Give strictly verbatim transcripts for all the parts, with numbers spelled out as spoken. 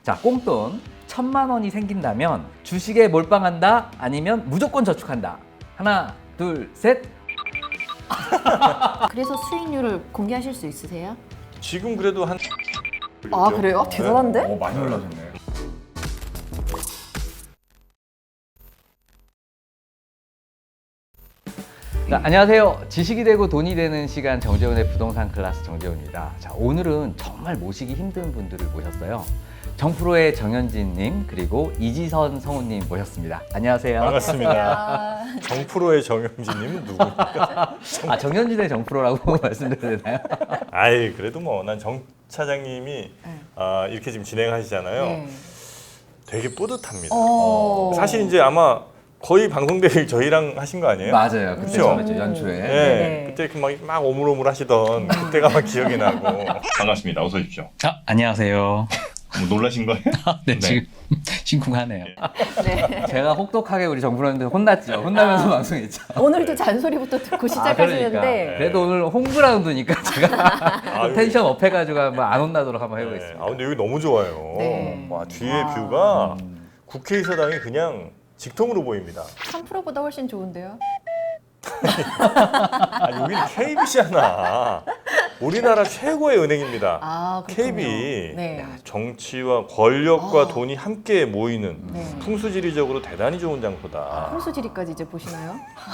자, 꽁돈 천만 원이 생긴다면 주식에 몰빵한다 아니면 무조건 저축한다. 하나, 둘, 셋. 그래서 수익률을 공개하실 수 있으세요? 지금 그래도 한 아 그래요? 대단한데? 오, 많이 올라졌네. 자, 안녕하세요. 지식이 되고 돈이 되는 시간 정재훈의 부동산 클래스 정재훈입니다. 자, 오늘은 정말 모시기 힘든 분들을 모셨어요. 정프로의 정현진님 그리고 이지선 성우님 모셨습니다. 안녕하세요. 반갑습니다. 정프로의 정영진님은 누구입니까? 아, 정현진의 정프로라고 말씀드려도 되나요? 아이 그래도 뭐 난 정 차장님이 네. 아, 이렇게 지금 진행하시잖아요. 네. 되게 뿌듯합니다. 어. 사실 이제 아마 거의 방송 대회 저희랑 하신 거 아니에요? 맞아요. 그때 그쵸? 처음이죠, 연초에. 네. 네네. 그때 이렇게 막, 막 오물오물 하시던 그때가 막 기억이 나고. 반갑습니다. 어서 오십시오. 아, 안녕하세요. 뭐 놀라신 거예요? 네, 네. 지금 심쿵하네요. 네. 제가 혹독하게 우리 정프로님들 혼났죠. 혼나면서 아. 방송했죠. 오늘도 잔소리부터 듣고 아, 시작하시는데 그러니까. 그래도 오늘 홈그라운드니까 제가 아유. 텐션 업 해가지고 한번 안 혼나도록 한번 네. 해보겠습니다. 아 근데 여기 너무 좋아요. 네. 와 뒤에 와. 뷰가 음. 국회의사당이 그냥 직통으로 보입니다. 삼 프로보다 훨씬 좋은데요? 아 여기는 케이비씨잖아. 우리나라 최고의 은행입니다. 아 그렇군요. 케이비. 네. 정치와 권력과 아. 돈이 함께 모이는 네. 풍수지리적으로 대단히 좋은 장소다. 홍수지리까지 이제 보시나요?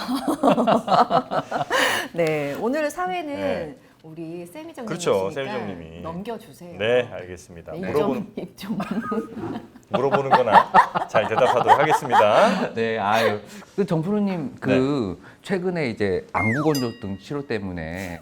네, 오늘 사회는 네. 우리 세미정님 그렇죠, 세미정님이. 넘겨주세요. 네, 알겠습니다. 네, 물어보는, 입점, 입점. 물어보는 거나 잘 대답하도록 하겠습니다. 네, 아유. 그 정프로님 그 최근에 이제 안구건조증 치료 때문에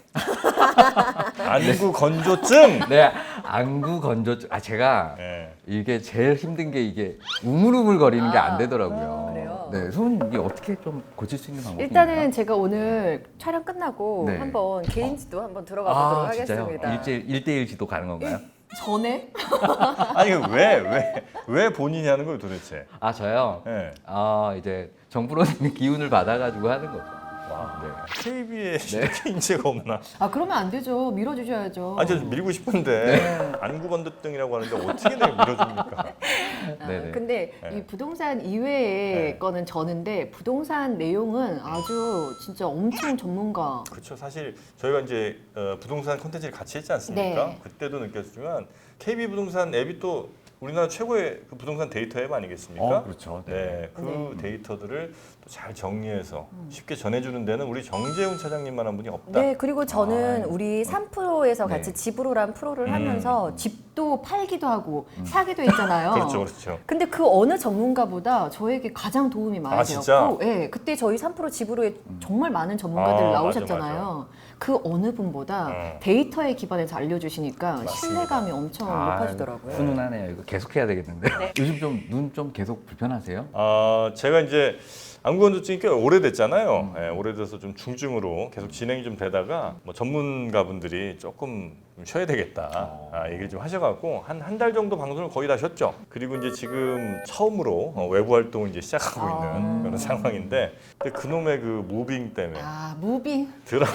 안구 건조증. 네, 안구건조증. 아 제가 네. 이게 제일 힘든 게 이게 우물우물 거리는 게 안 아, 되더라고요. 아, 그래요? 네, 손 이게 어떻게 좀 고칠 수 있는 방법이 일단은 있나요? 제가 오늘 촬영 끝나고 네. 한번 개인지도 한번 들어가 보도록 아, 진짜요? 하겠습니다. 일대 일대일 지도 가는 건가요? 전에? 아니 왜 왜 왜 본인이 하는 거예요 도대체? 아 저요. 네. 아 이제 정프로님의 기운을 받아가지고 하는 거죠. 와, 네. 케이비에 이렇게 인재가 없나? 아 그러면 안 되죠. 밀어주셔야죠. 아니 저 밀고 싶은데 안구 건조증이라고 하는데 어떻게 내가 밀어줍니까? 아, 네네. 근데 네. 이 부동산 이외의 네. 거는 저는데 부동산 내용은 아주 진짜 엄청 전문가. 그렇죠. 사실 저희가 이제 어, 부동산 콘텐츠를 같이 했지 않습니까? 네. 그때도 느꼈지만 케이비 부동산 앱이 또 우리나라 최고의 그 부동산 데이터 앱 아니겠습니까? 어, 그렇죠. 네. 네, 그 네. 데이터들을 또 잘 정리해서 쉽게 전해주는 데는 우리 정재훈 차장님만한 분이 없다. 네, 그리고 저는 아, 우리 삼 프로에서 네. 같이 집으로란 프로를 음. 하면서 집도 팔기도 하고 사기도 했잖아요. 그렇죠, 그렇죠. 근데 그 어느 전문가보다 저에게 가장 도움이 많이 아, 진짜? 되었고, 예, 그때 저희 삼 프로 집으로에 정말 많은 전문가들 아, 나오셨잖아요. 그 어느 분보다 음. 데이터에 기반해서 알려주시니까 맞습니다. 신뢰감이 엄청 아, 높아지더라고요. 훈훈하네요. 이거 계속 해야 되겠는데. 요즘 좀 눈 좀 계속 불편하세요? 아, 제가 이제 안구건조증이 꽤 오래됐잖아요. 예, 오래돼서 좀 중증으로 계속 진행이 좀 되다가 뭐 전문가분들이 조금 좀 쉬어야 되겠다 아, 얘기를 좀 하셔갖고 한 한 달 정도 방송을 거의 다 쉬었죠. 그리고 이제 지금 처음으로 어, 외부 활동을 이제 시작하고 아. 있는 그런 상황인데 근데 그놈의 그 무빙 때문에 아, 무빙. 드라마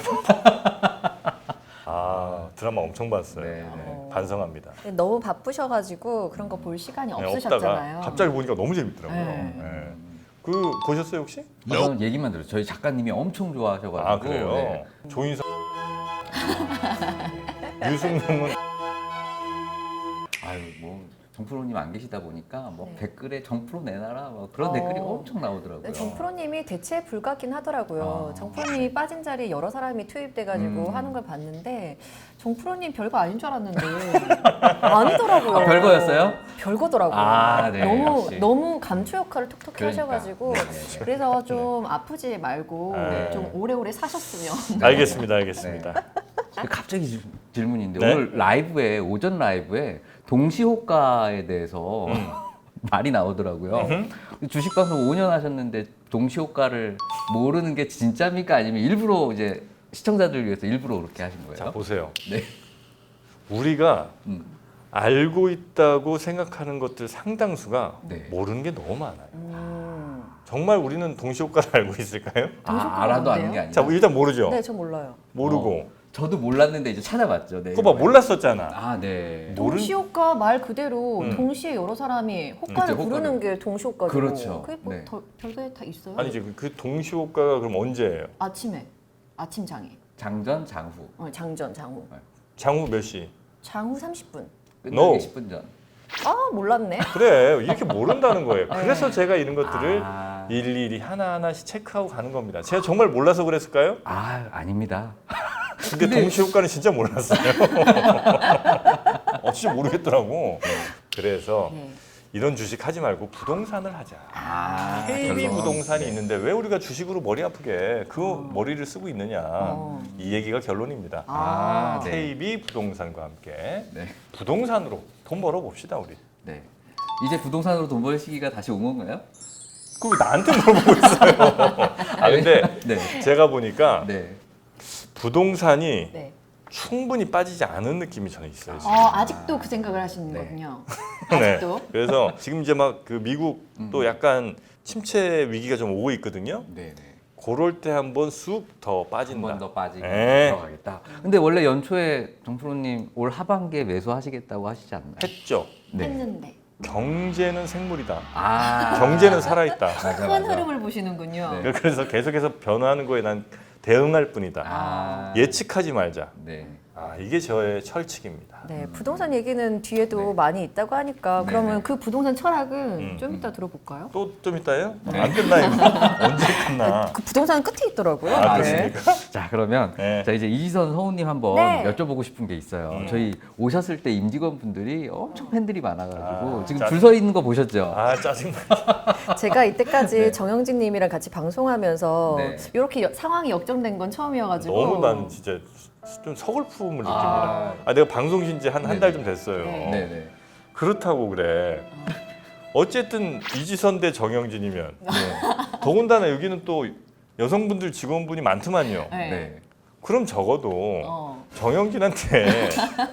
아 드라마 엄청 봤어요. 네, 네. 어. 반성합니다. 네, 너무 바쁘셔가지고 그런 거 볼 시간이 네, 없으셨잖아요. 없다가 갑자기 보니까 너무 재밌더라고요. 네. 네. 그 보셨어요 혹시? 아, 저는 얘기만 들어요. 저희 작가님이 엄청 좋아하셔가지고. 아 그래요? 네. 조인성 유승룡은 아유 뭐 정프로님 안 계시다 보니까 뭐 네. 댓글에 정프로 내놔라 뭐 그런 어. 댓글이 엄청 나오더라고요. 네, 정프로님이 대체 불가긴 하더라고요. 아. 정프로님이 빠진 자리에 여러 사람이 투입돼가지고 음. 하는 걸 봤는데 정프로님 별거 아닌 줄 알았는데 아니더라고요. 아, 별거였어요? 별거더라고요. 아, 네, 너무 역시. 너무 감초 역할을 톡톡히 그러니까. 하셔가지고 네, 네, 네. 그래서 좀 아프지 말고 네. 좀 오래오래 사셨으면. 알겠습니다, 알겠습니다. 갑자기 질- 질문인데 네? 오늘 라이브에 오전 라이브에 동시호가에 대해서 음. 말이 나오더라고요. 주식 방송 오 년 하셨는데 동시호가를 모르는 게 진짜입니까? 아니면 일부러 이제 시청자들을 위해서 일부러 그렇게 하신 거예요? 자 보세요. 네. 우리가 음. 알고 있다고 생각하는 것들 상당수가 네. 모르는 게 너무 많아요. 음. 정말 우리는 동시효과를 알고 있을까요? 아, 동시호가가 알아도 뭔데요? 아는 게 아니라. 자 일단 모르죠. 네, 저 몰라요. 모르고 어. 저도 몰랐는데 이제 찾아봤죠. 네. 그거 봐 몰랐었잖아. 아, 네. 모른- 동시효과 말 그대로 음. 동시에 여러 사람이 호가를 그쵸, 부르는 호가를. 게 동시효과죠. 그렇죠. 그게 뭐 네. 더- 별게 다 있어요? 아니지 그- 그 동시효과가 그럼 언제예요? 아침에 아침 장애, 장전, 장후. 어, 장전, 장후, 장후 몇 시? 장후 삼십 분. 끝나기 No. 십 분 전. 아 몰랐네. 그래 이렇게 모른다는 거예요. 그래서 제가 이런 것들을 아. 일일이 하나하나씩 체크하고 가는 겁니다. 제가 정말 몰라서 그랬을까요? 아, 아닙니다. 근데 동시효과는 진짜 몰랐어요. 어, 진짜 모르겠더라고. 그래서 네. 이런 주식 하지 말고 부동산을 하자. 아, 케이비 결론. 부동산이 네. 있는데 왜 우리가 주식으로 머리 아프게 그 머리를 쓰고 있느냐. 어. 이 얘기가 결론입니다. 아, 네. 케이비 부동산과 함께 네. 부동산으로 돈 벌어 봅시다 우리. 네. 이제 부동산으로 돈 벌 시기가 다시 온 건가요? 그걸 나한테 물어보고 있어요. 아 근데 네. 제가 보니까 네. 부동산이 네. 충분히 빠지지 않은 느낌이 저는 있어요. 지금. 어, 아직도 그 생각을 하시는 네. 거군요. 네. 아직도. 그래서 지금 이제 막 그 미국도 음. 약간 침체 위기가 좀 오고 있거든요. 네, 네. 그럴 때 한번 쑥 더 한 빠진다. 번 더 빠지고 네. 들어가겠다. 근데 원래 연초에 정프로님 올 하반기에 매수하시겠다고 하시지 않나요? 했죠. 네. 했는데 경제는 생물이다. 아, 경제는 살아있다. 맞아, 큰 맞아. 흐름을 보시는군요. 네. 그래서 계속해서 변화하는 거에 난 대응할 뿐이다. 아, 예측하지 말자. 네. 아, 이게 저의 철칙입니다. 네, 부동산 얘기는 뒤에도 네. 많이 있다고 하니까 네, 그러면 네. 그 부동산 철학은 음, 좀 이따 들어볼까요? 또 좀 이따요? 안 끝나 이거. 언제 끝나? 그 부동산 끝에 있더라고요. 아, 네. 그렇습니까? 자, 그러면 네. 자 이제 이지선 성우님 한번 네. 여쭤보고 싶은 게 있어요. 음. 저희 오셨을 때 임직원 분들이 엄청 팬들이 많아가지고 아, 지금 짜- 줄 서 있는 거 보셨죠? 아 짜증나. 제가 이때까지 네. 정영진님이랑 같이 방송하면서 네. 이렇게 여- 상황이 역정된 건 처음이어가지고 너무 나는 진짜 좀 서글픔을 느낍니다. 아. 아, 내가 방송 쉰 지 한 한 네. 달 좀 됐어요. 네. 네네. 그렇다고 그래. 어쨌든 이지선 대 정영진이면 네. 더군다나 여기는 또 여성분들 직원분이 많더만요. 네. 네. 그럼 적어도 어. 정영진한테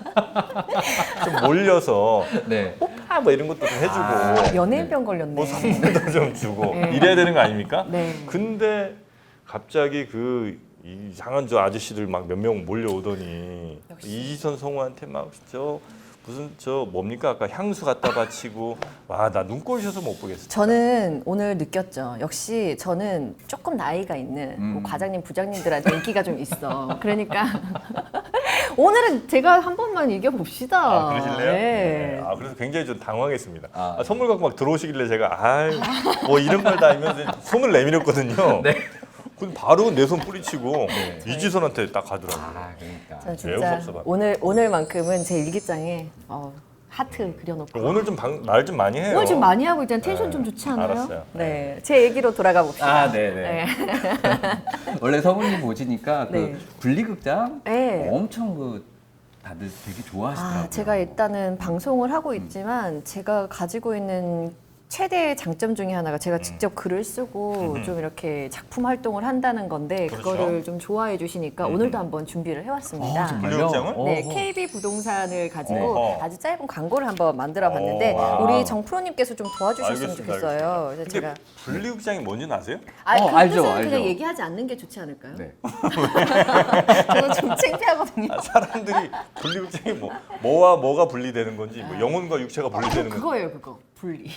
좀 몰려서 네. 오빠 뭐 이런 것도 좀 해주고 아, 연예인병 걸렸네. 뭐 선물도 좀 주고 네. 이래야 되는 거 아닙니까? 네. 근데 갑자기 그 이상한 저 아저씨들 막 몇 명 몰려오더니 역시. 이지선 성우한테 막 저 무슨 저 뭡니까 아까 향수 갖다 바치고 와 나 눈꼴 셔서 못 보겠어. 저는 오늘 느꼈죠. 역시 저는 조금 나이가 있는 뭐 음. 과장님, 부장님들한테 인기가 좀 있어. 그러니까 오늘은 제가 한 번만 이겨봅시다. 아, 그러실래요? 네. 아, 그래서 굉장히 좀 당황했습니다. 아, 아, 선물 갖고 막 들어오시길래 제가 아이 뭐 이런 걸 다 알면서 손을 내밀었거든요. 네. 근데 바로 내 손 뿌리치고 네. 이지선한테 딱 가더라고요. 아, 그러니까. 저는 매우 진짜 섭섭합니다. 오늘 오늘만큼은 제 일기장에 어, 하트 그려놓고 오늘 좀 말 좀 많이 해요. 오늘 좀 많이 하고 있잖아요. 텐션 네. 좀 좋지 않아요? 알았어요. 네, 제 얘기로 돌아가 봅시다. 아, 네네. 원래 성우님 보시니까 네. 그 분리극장 네. 엄청 그 다들 되게 좋아하시더라고요. 아, 제가 일단은 방송을 하고 있지만 제가 가지고 있는 최대의 장점 중에 하나가 제가 직접 글을 쓰고 음. 좀 이렇게 작품 활동을 한다는 건데 그렇죠. 그거를 좀 좋아해 주시니까 음. 오늘도 한번 준비를 해왔습니다. 어, 정말요? 분리극장을? 네, 어허. 케이비 부동산을 가지고 어허. 아주 짧은 광고를 한번 만들어 봤는데 오, 우리 정 프로님께서 좀 도와주셨으면 알겠습니다, 좋겠어요. 알겠습니다. 그래서 근데 제가 분리극장이 뭔지는 아세요? 아, 어, 그 알죠, 뜻은 알죠. 그냥 얘기하지 않는 게 좋지 않을까요? 네. 저는 좀 창피하거든요. 아, 사람들이 분리극장이 뭐 뭐와 뭐가 분리되는 건지 뭐 영혼과 육체가 분리되는 건지 그거예요, 그거 분리.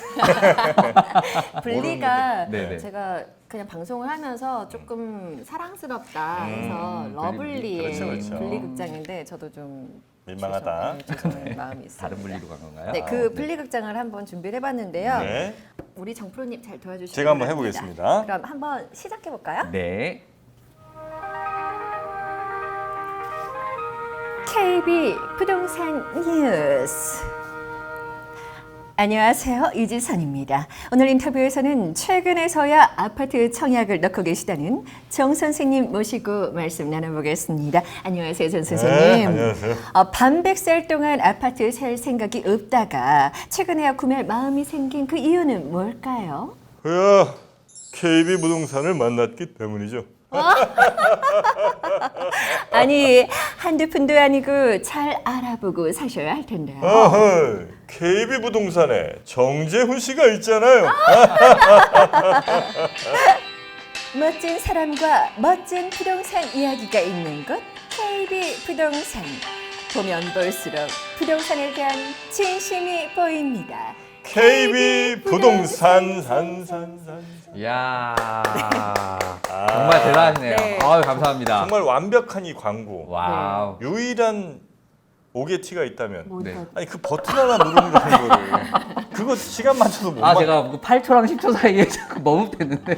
분리가 네네. 제가 그냥 방송을 하면서 조금 사랑스럽다 해서 음, 러블리의 그렇죠, 그렇죠. 분리극장인데 저도 좀 민망하다. 죄송- 네, 죄송한 마음이 있어요. 다른 분리로 간 건가요? 네, 아, 그 네. 분리극장을 한번 준비를 해봤는데요. 네. 우리 정 프로님 잘 도와주시면 제가 한번 해보겠습니다. 그럼 한번 시작해 볼까요? 네. 케이비 부동산 뉴스. 안녕하세요. 이지선입니다. 오늘 인터뷰에서는 최근에서야 아파트 청약을 넣고 계시다는 정 선생님 모시고 말씀 나눠보겠습니다. 안녕하세요, 정 선생님. 네, 안녕하세요. 어, 반백살 동안 아파트 살 생각이 없다가 최근에야 구매할 마음이 생긴 그 이유는 뭘까요? 그야 케이비 부동산을 만났기 때문이죠. 아니, 한두 푼도 아니고 잘 알아보고 사셔야 할 텐데요. 아하, 케이비 부동산에 정재훈 씨가 있잖아요. 멋진 사람과 멋진 부동산 이야기가 있는 곳 케이비 부동산. 보면 볼수록 부동산에 대한 진심이 보입니다. 케이비 부동산 산산산. 이야 정말 대단하시네요. 네. 아유 감사합니다. 정말 완벽한 이 광고. 와우. 유일한 오게티가 있다면 뭐 네. 다- 아니 그 버튼 하나 누르는 거를 그거 시간 맞춰서 못 아 맞- 제가 그 팔 초랑 십 초 사이에 자꾸 머뭇댔는데.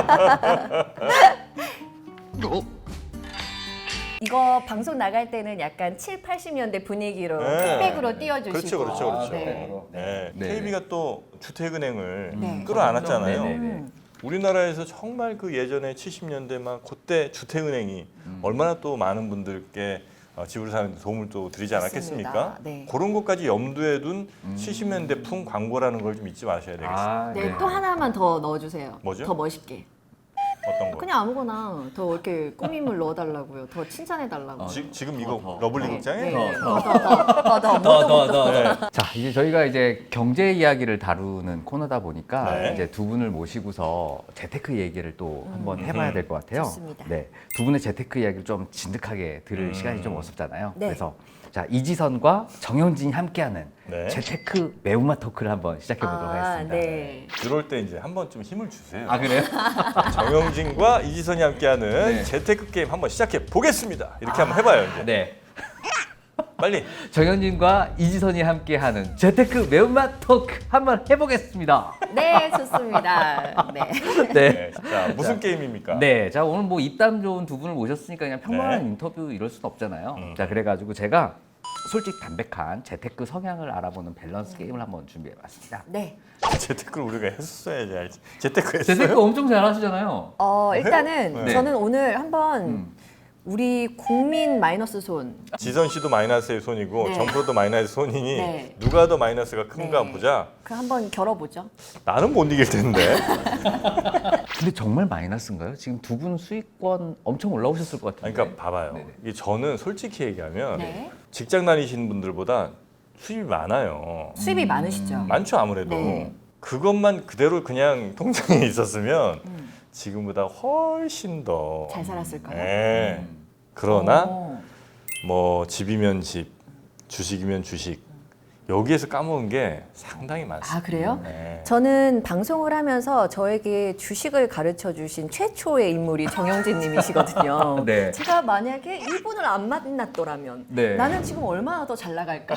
이거 방송 나갈 때는 약간 칠, 팔십 년대 분위기로 네. 픽백으로 띄워주시고. 그렇죠, 그렇죠, 그렇죠. 네. 네. 네. 케이비가 또 주택은행을 네. 끌어안았잖아요. 네, 네, 네. 음. 우리나라에서 정말 그 예전에 칠십 년대 막 그때 주택은행이 얼마나 또 많은 분들께 어, 집을 사는 데 도움을 또 드리지 않았겠습니까? 맞습니다. 네. 그런 것까지 염두에 둔 칠십 년대풍 광고라는 걸 좀 잊지 마셔야 되겠어요. 아, 네, 또 하나만 더 넣어주세요. 뭐죠? 더 멋있게. 어떤 거? 그냥 아무거나 더 이렇게 꾸밈을 넣어달라고요. 더 칭찬해달라고. 지, 지금 이거 더, 더. 러블리 네, 극장에 네, 네. 네. 더, 더, 더, 더, 더, 더, 더, 더, 더, 네. 자, 이제 저희가 이제 경제 이야기를 다루는 코너다 보니까 네. 이제 두 분을 모시고서 재테크 얘기를 또 한번 해봐야 될 것 같아요. 좋습니다. 네, 두 분의 재테크 이야기를 좀 진득하게 들을 음. 시간이 좀 없었잖아요. 네. 그래서 자 이지선과 정영진이 함께하는 네. 재테크 매운맛 토크를 한번 시작해 보도록 아, 하겠습니다. 네. 이럴 때 이제 한번 좀 힘을 주세요. 아 그래요? 정영진과 이지선이 함께하는 네. 재테크 게임 한번 시작해 보겠습니다. 이렇게 한번 해봐요 이제. 네. 빨리. 정영진과 이지선이 함께하는 재테크 매운맛 토크 한번 해보겠습니다. 네, 좋습니다. 네. 네. 네. 자 무슨 게임입니까? 네, 자 오늘 뭐 입담 좋은 두 분을 모셨으니까 그냥 평범한 네. 인터뷰 이럴 순 없잖아요. 음. 자 그래가지고 제가 솔직 담백한 재테크 성향을 알아보는 밸런스 게임을 한번 준비해봤습니다. 네. 재테크를 우리가 했었어야지. 알지. 재테크 했어요? 재테크 엄청 잘하시잖아요. 어, 일단은 네. 저는 오늘 한번 음. 우리 국민 마이너스 손. 지선 씨도 마이너스의 손이고 네. 정프로도 마이너스의 손이니 네. 누가 더 마이너스가 큰가 네. 보자. 그 한번 겨뤄보죠. 나는 못 이길 텐데. 근데 정말 마이너스인가요? 지금 두 분 수익권 엄청 올라오셨을 것 같은데. 아니, 그러니까 봐봐요. 네네. 이게 저는 솔직히 얘기하면 네. 직장 다니시는 분들보다 수입이 많아요. 수입이 많으시죠? 많죠 아무래도. 네. 그것만 그대로 그냥 통장에 있었으면 지금보다 훨씬 더. 잘 살았을까요? 네. 그러나 어. 뭐 집이면 집, 주식이면 주식 여기에서 까먹은 게 상당히 많습니다. 아, 그래요? 네. 저는 방송을 하면서 저에게 주식을 가르쳐 주신 최초의 인물이 정영진 님이시거든요. 네. 제가 만약에 이분을 안 만났더라면 네. 나는 지금 얼마나 더 잘 나갈까?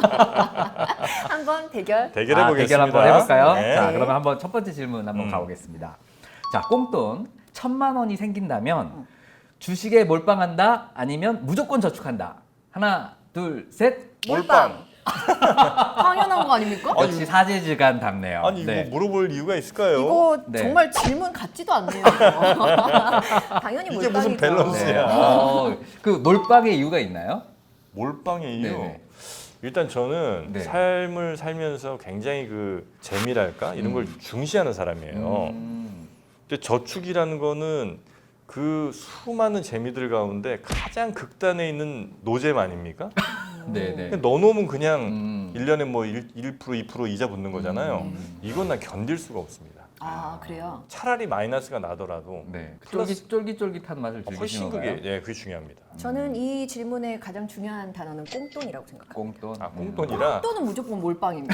한번 대결. 대결해 아, 보겠습니다. 대결 한번 해볼까요? 네. 자, 그러면 한번 첫 번째 질문 한번 음. 가보겠습니다. 자, 꽁돈 천만 원이 생긴다면 주식에 몰빵한다 아니면 무조건 저축한다. 하나, 둘, 셋. 몰빵. 당연한 거 아닙니까? 역시 사제지간 답네요. 아니 네. 이거 물어볼 이유가 있을까요? 이거 네. 정말 질문 같지도 않네요. 당연히 이게 몰빵이죠. 무슨 밸런스야? 네. 어, 그 몰빵의 이유가 있나요? 몰빵의 이유. 네네. 일단 저는 네. 삶을 살면서 굉장히 그 재미랄까 이런 걸 중시하는 사람이에요. 음. 근데 저축이라는 거는 그 수많은 재미들 가운데 가장 극단에 있는 노잼 아닙니까? 네네. 그냥 넣어놓으면 그냥 음. 일 년에 뭐 일, 일 퍼센트 이 퍼센트 이자 붙는 거잖아요. 음. 이건 난 견딜 수가 없습니다. 아, 그래요? 차라리 마이너스가 나더라도 네. 플러스- 쫄깃, 쫄깃쫄깃한 맛을 훨씬 즐기시는 그게 건가요? 예, 그게 중요합니다. 저는 이 질문의 가장 중요한 단어는 꽁돈이라고 생각합니다. 꽁돈. 아, 꽁돈이라 또는 무조건 몰빵입니다.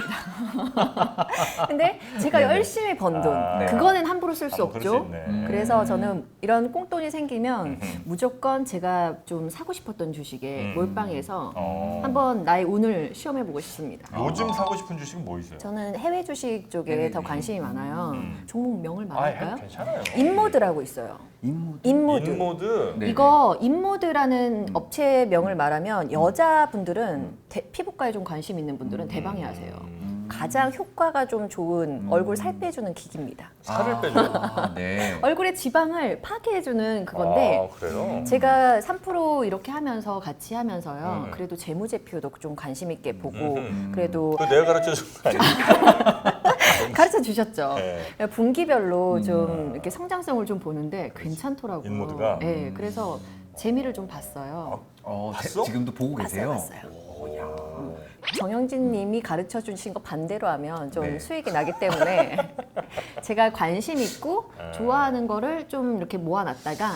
근데 제가 네네. 열심히 번 돈, 아, 네. 그거는 함부로 쓸 수 아, 그럴 수 없죠. 있네. 음. 그래서 저는 이런 꽁돈이 생기면 음흠. 무조건 제가 좀 사고 싶었던 주식에 음. 몰빵해서 어. 한번 나의 운을 시험해보고 싶습니다. 요즘 사고 싶은 주식은 뭐 있어요? 저는 해외 주식 쪽에 해외 더 주식. 관심이 많아요. 음. 종목 명을 아, 말할까요? 해- 괜찮아요. 인모드라고 있어요. 인모드. 인모드. 인모드. 네. 이거 인모드라는 업체명을 음. 말하면 여자분들은 대- 피부과에 좀 관심 있는 분들은 대방해하세요. 음. 가장 효과가 좀 좋은 음. 얼굴 살 빼주는 기기입니다. 살을 아, 빼줘요. 네. 얼굴의 지방을 파괴해주는 그건데 아, 그래요? 제가 삼 퍼센트 이렇게 하면서 같이 하면서요. 음. 그래도 재무제표도 좀 관심 있게 보고 음. 그래도 그거 내가 가르쳐 준 거 아니에요? 가르쳐 주셨죠. 네. 분기별로 좀 이렇게 성장성을 좀 보는데 괜찮더라고요. 인모드가? 네, 그래서 재미를 좀 봤어요. 어, 봤어? 제- 지금도 보고 계세요? 봤어요, 봤어요. 정영진 님이 가르쳐 주신 거 반대로 하면 좀 네. 수익이 나기 때문에 제가 관심 있고 아. 좋아하는 거를 좀 이렇게 모아놨다가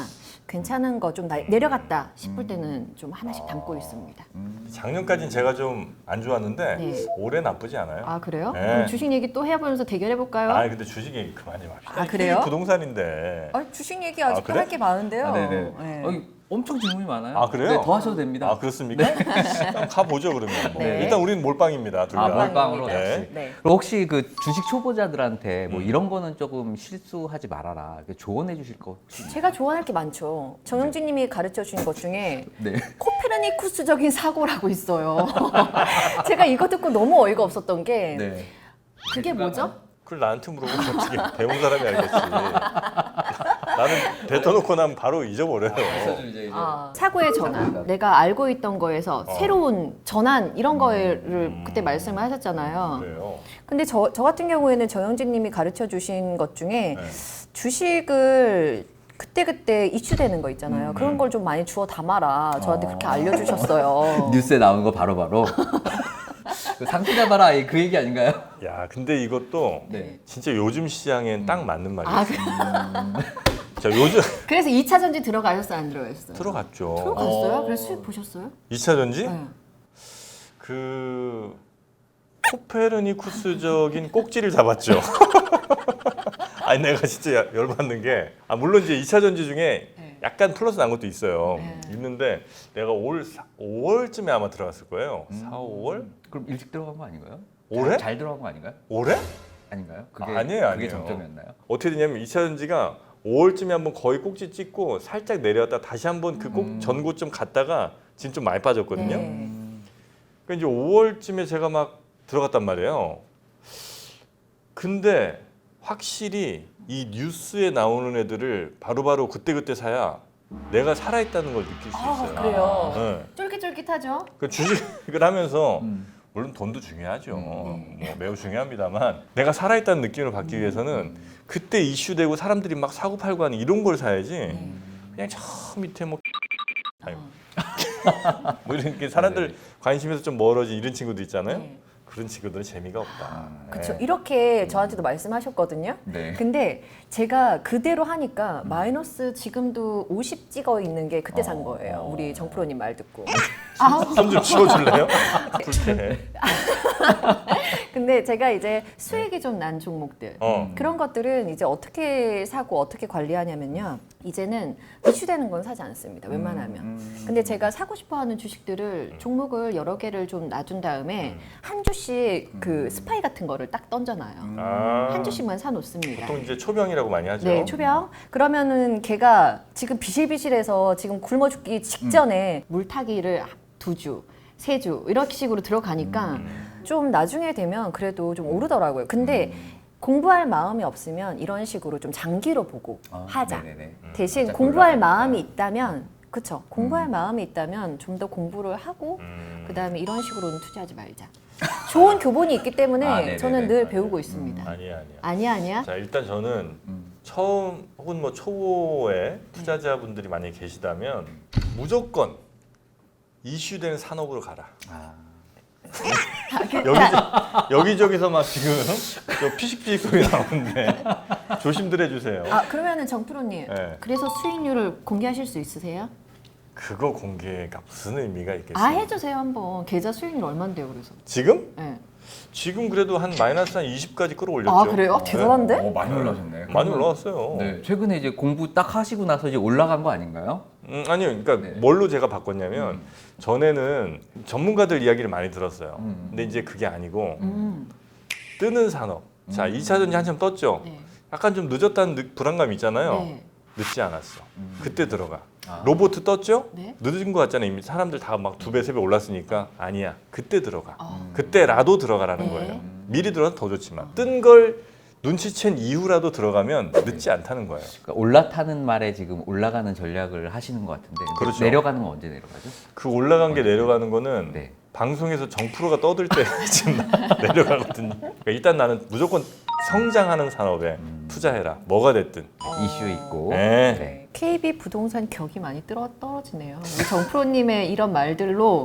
괜찮은 거 좀 내려갔다 싶을 때는 좀 하나씩 담고 있습니다. 작년까지는 제가 좀 안 좋았는데 네. 올해 나쁘지 않아요. 아 그래요? 네. 그럼 주식 얘기 또 해보면서 대결해 볼까요? 아 근데 주식 얘기 그만 좀 합시다. 아, 그래요? 이게 부동산인데. 아, 주식 얘기 아직도 그래? 할 게 많은데요. 아, 네네. 네. 어, 엄청 질문이 많아요. 아, 그래요? 네, 더 하셔도 됩니다. 아 그렇습니까? 한번 가보죠 그러면. 네. 일단 우리는 몰빵입니다. 둘 다. 아, 몰빵으로 네. 역시. 네. 그럼 혹시 그 주식 초보자들한테 뭐 음. 이런 거는 조금 실수하지 말아라. 이렇게 조언해 주실 거 혹시 있나요? 제가 조언할 게 많죠. 정영진님이 가르쳐 주신 것 중에 네. 코페르니쿠스적인 사고라고 있어요. 제가 이거 듣고 너무 어이가 없었던 게 네. 그게 뭐죠? 그걸 나한테 물어보면 어떻게 배운 사람이 알겠지. 나는 뱉어놓고 나면 바로 잊어버려요. 이제 이제 아, 사고의 전환. 내가 알고 있던 거에서 어. 새로운 전환 이런 거를 그때 말씀을 하셨잖아요. 그래요. 근데 저, 저 같은 경우에는 정영진 님이 가르쳐 주신 것 중에 네. 주식을 그때그때 이슈되는 거 있잖아요. 그런 걸 좀 많이 주워 담아라. 저한테 그렇게 알려주셨어요. 뉴스에 나오는 거 바로바로 상품 잡아라 그 얘기 아닌가요? 야 근데 이것도 네. 진짜 요즘 시장엔 딱 맞는 말이에요. 아, 그- 자 요즘 그래서 이 차 전지 들어가셨어요? 안 들어가셨어요? 들어갔죠. 들어갔어요? 어. 그래서 수익 보셨어요? 이 차 전지 네. 그 코페르니쿠스적인 꼭지를 잡았죠. 아니 내가 진짜 열받는 게 아, 물론 이제 이 차 전지 중에 네. 약간 플러스 난 것도 있어요. 네. 있는데 내가 올 오월쯤에 아마 들어갔을 거예요. 사, 오월? 그럼 일찍 들어간 거 아닌가요? 올해? 잘, 잘 들어간 거 아닌가요? 올해? 아닌가요? 그게 아니에요, 그게 아니에요. 정점이었나요? 어떻게 되냐면 이 차 전지가 오월쯤에 한번 거의 꼭지 찍고 살짝 내려왔다 다시 한번 그 꼭 음. 전고점 갔다가 지금 좀 많이 빠졌거든요. 네. 그러니까 이제 오월쯤에 제가 막 들어갔단 말이에요. 근데 확실히 이 뉴스에 나오는 애들을 바로바로 그때그때 사야 내가 살아있다는 걸 느낄 수 아, 있어요. 그래요? 네. 쫄깃쫄깃하죠? 그 주식을 하면서 음. 물론 돈도 중요하죠. 네. 뭐 매우 중요합니다만 내가 살아있다는 느낌을 받기 음. 위해서는 그때 이슈되고 사람들이 막 사고 팔고 하는 이런 걸 사야지 네. 그냥 저 밑에 뭐 아유. 뭐 이렇게 사람들 네. 관심에서 좀 멀어진 이런 친구들 있잖아요. 네. 그런 친구들은 재미가 없다. 그렇죠. 네. 이렇게 저한테도 말씀하셨거든요. 네. 근데 제가 그대로 하니까 마이너스 지금도 오십 찍어 있는 게 그때 산 거예요. 우리 정프로님 말 듣고. 아, 손 좀 치워줄래요? 불쾌해. 근데 제가 이제 수익이 좀 난 종목들 어. 그런 것들은 이제 어떻게 사고 어떻게 관리하냐면요. 이제는 이슈되는 건 사지 않습니다. 웬만하면. 근데 제가 사고 싶어하는 주식들을 종목을 여러 개를 좀 놔둔 다음에 한 주씩 그 스파이 같은 거를 딱 던져놔요. 아. 한 주씩만 사놓습니다. 보통 이제 초병이라고 많이 하죠. 네, 초병. 그러면은 걔가 지금 비실비실해서 지금 굶어 죽기 직전에 물타기를 두 주, 세 주 이렇게 식으로 들어가니까 좀 나중에 되면 그래도 좀 오르더라고요. 근데 공부할 마음이 없으면 이런 식으로 좀 장기로 보고 아, 하자. 네네네. 대신 살짝 공부할 올라가니까. 마음이 있다면 그쵸. 공부할 마음이 있다면 좀 더 공부를 하고 음. 그다음에 이런 식으로는 투자하지 말자. 좋은 교본이 있기 때문에 아, 네네네. 저는 늘 맞아요. 배우고 있습니다. 아니야 아니야. 아니야 아니야. 자 일단 저는 음. 처음 혹은 뭐 초보의 투자자분들이 만약에 계시다면 무조건 이슈된 산업으로 가라. 아. 여기 여기저기서 막 지금 저 피식피식 소리 나오는데 조심들 해주세요. 아 그러면은 정프로님 네. 그래서 수익률을 공개하실 수 있으세요? 그거 공개가 무슨 의미가 있겠어요? 아 해주세요 한번 계좌 수익률 얼마인데요 그래서? 지금? 네. 지금 그래도 한 마이너스 한 이십까지 끌어올렸죠. 아 그래요? 아, 대단한데? 어, 많이 올라졌네. 많이 올라왔어요. 네. 최근에 이제 공부 딱 하시고 나서 이제 올라간 거 아닌가요? 음, 아니요, 그러니까 네. 뭘로 제가 바꿨냐면 음. 전에는 전문가들 이야기를 많이 들었어요. 음. 근데 이제 그게 아니고 음. 뜨는 산업. 자, 이 차 전지 한참 떴죠. 네. 약간 좀 늦었다는 느- 불안감이 있잖아요. 네. 늦지 않았어. 음. 그때 들어가. 아. 로봇 떴죠? 네. 늦은 것 같잖아요. 이미 사람들 다 막 두 배, 세 배 올랐으니까 아니야. 그때 들어가. 아. 그때라도 들어가라는 네. 거예요. 미리 들어가면 더 좋지만 뜬 걸 눈치챈 이후라도 들어가면 늦지 않다는 거예요. 그러니까 올라타는 말에 지금 올라가는 전략을 하시는 것 같은데 근데 그렇죠. 내려가는 건 언제 내려가죠? 그 올라간 게 내려가는 거는 네. 방송에서 정프로가 떠들 때 지금 내려가거든요. 그러니까 일단 나는 무조건 성장하는 산업에 투자해라. 뭐가 됐든. 이슈 있고. 네. 네. 케이비 부동산 격이 많이 떨어, 떨어지네요. 우리 정프로님의 이런 말들로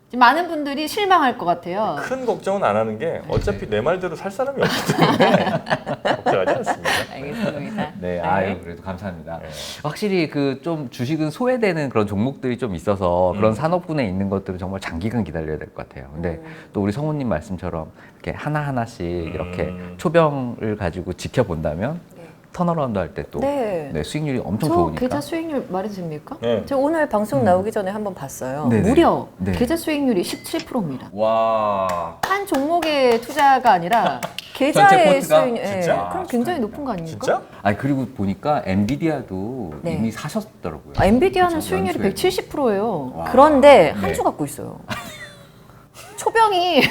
지금 많은 분들이 실망할 것 같아요. 큰 걱정은 안 하는 게 어차피 내 말대로 살 사람이 없기 때문에 걱정하지 않습니다. 알겠습니다. 네, 아유 그래도 감사합니다. 네. 확실히 그 좀 주식은 소외되는 그런 종목들이 좀 있어서 그런 음. 산업군에 있는 것들은 정말 장기간 기다려야 될 것 같아요. 근데 또 우리 성우님 말씀처럼 이렇게 하나 하나씩 이렇게 음. 초병을 가지고 지켜본다면 네. 턴어라운드 할 때 또 네. 네, 수익률이 엄청 저 좋으니까. 계좌 수익률 말해도 됩니까? 네. 제가 오늘 방송 나오기 전에 한번 봤어요. 네네. 무려 네. 계좌 수익률이 십칠 퍼센트입니다. 와. 한 종목의 투자가 아니라 계좌의 포트가? 수익률, 예. 진짜? 그럼 굉장히 높은 거 아닙니까? 진짜? 아니 그리고 보니까 엔비디아도 네. 이미 사셨더라고요. 아, 엔비디아는 그쵸, 수익률이 연수에. 백칠십 퍼센트예요. 와. 그런데 한 네. 주 갖고 있어요. 초병이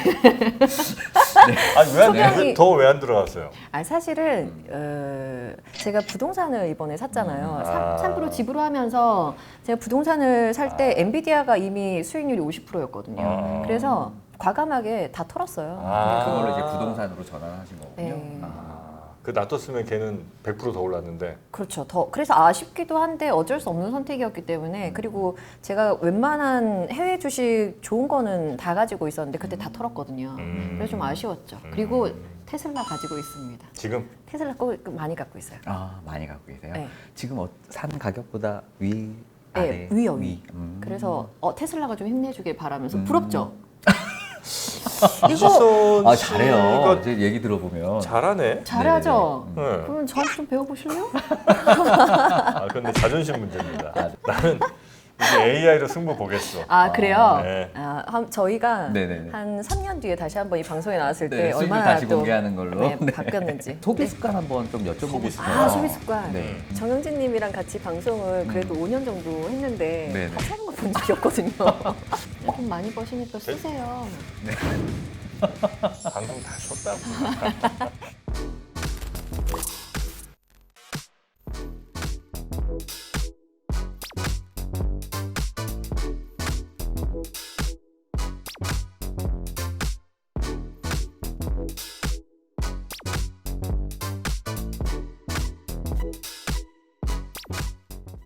아니 소명이- 왜더 왜 안 들어갔어요? 아 사실은 어, 제가 부동산을 이번에 샀잖아요. 아. 삼 프로 지불하면서 제가 부동산을 살 때 엔비디아가 이미 수익률이 오십 퍼센트였거든요. 아. 그래서 과감하게 다 털었어요. 아. 그걸로 이제 부동산으로 전환하신 거군요. 네. 아. 그 놔뒀으면 걔는 백 퍼센트 더 올랐는데. 그렇죠. 더 그래서 아쉽기도 한데 어쩔 수 없는 선택이었기 때문에 그리고 제가 웬만한 해외 주식 좋은 거는 다 가지고 있었는데 그때 다 털었거든요. 음. 그래서 좀 아쉬웠죠. 그리고 테슬라 가지고 있습니다. 지금 테슬라 거 많이 갖고 있어요. 아 많이 갖고 계세요? 네. 지금 어, 산 가격보다 위 아래 네, 위요 위. 음. 그래서 어, 테슬라가 좀 힘내주길 바라면서 음. 부럽죠. 이거 이지선 아 잘해요. 씨가 이제 얘기 들어보면 잘하네. 잘하죠. 네. 그러면 저한테 좀 배워보실래요? 아 근데 자존심 문제입니다. 나는 이제 에이아이로 승부 보겠어. 아 그래요? 네. 아, 한, 저희가 네네네. 한 삼 년 뒤에 다시 한번 이 방송에 나왔을 때 네, 수익률 얼마나 다시 또 공개하는 걸로 네, 네. 바뀌었는지. 소비 습관 한번 좀 여쭤보고 소비 싶어요. 습관. 아 소비 습관. 네. 정영진님이랑 같이 방송을 그래도 오 년 정도 했는데 네네. 같이 하는 거 본 적이 없거든요. 돈 많이 버시니까 쓰세요. 방송 다 쉬었다고.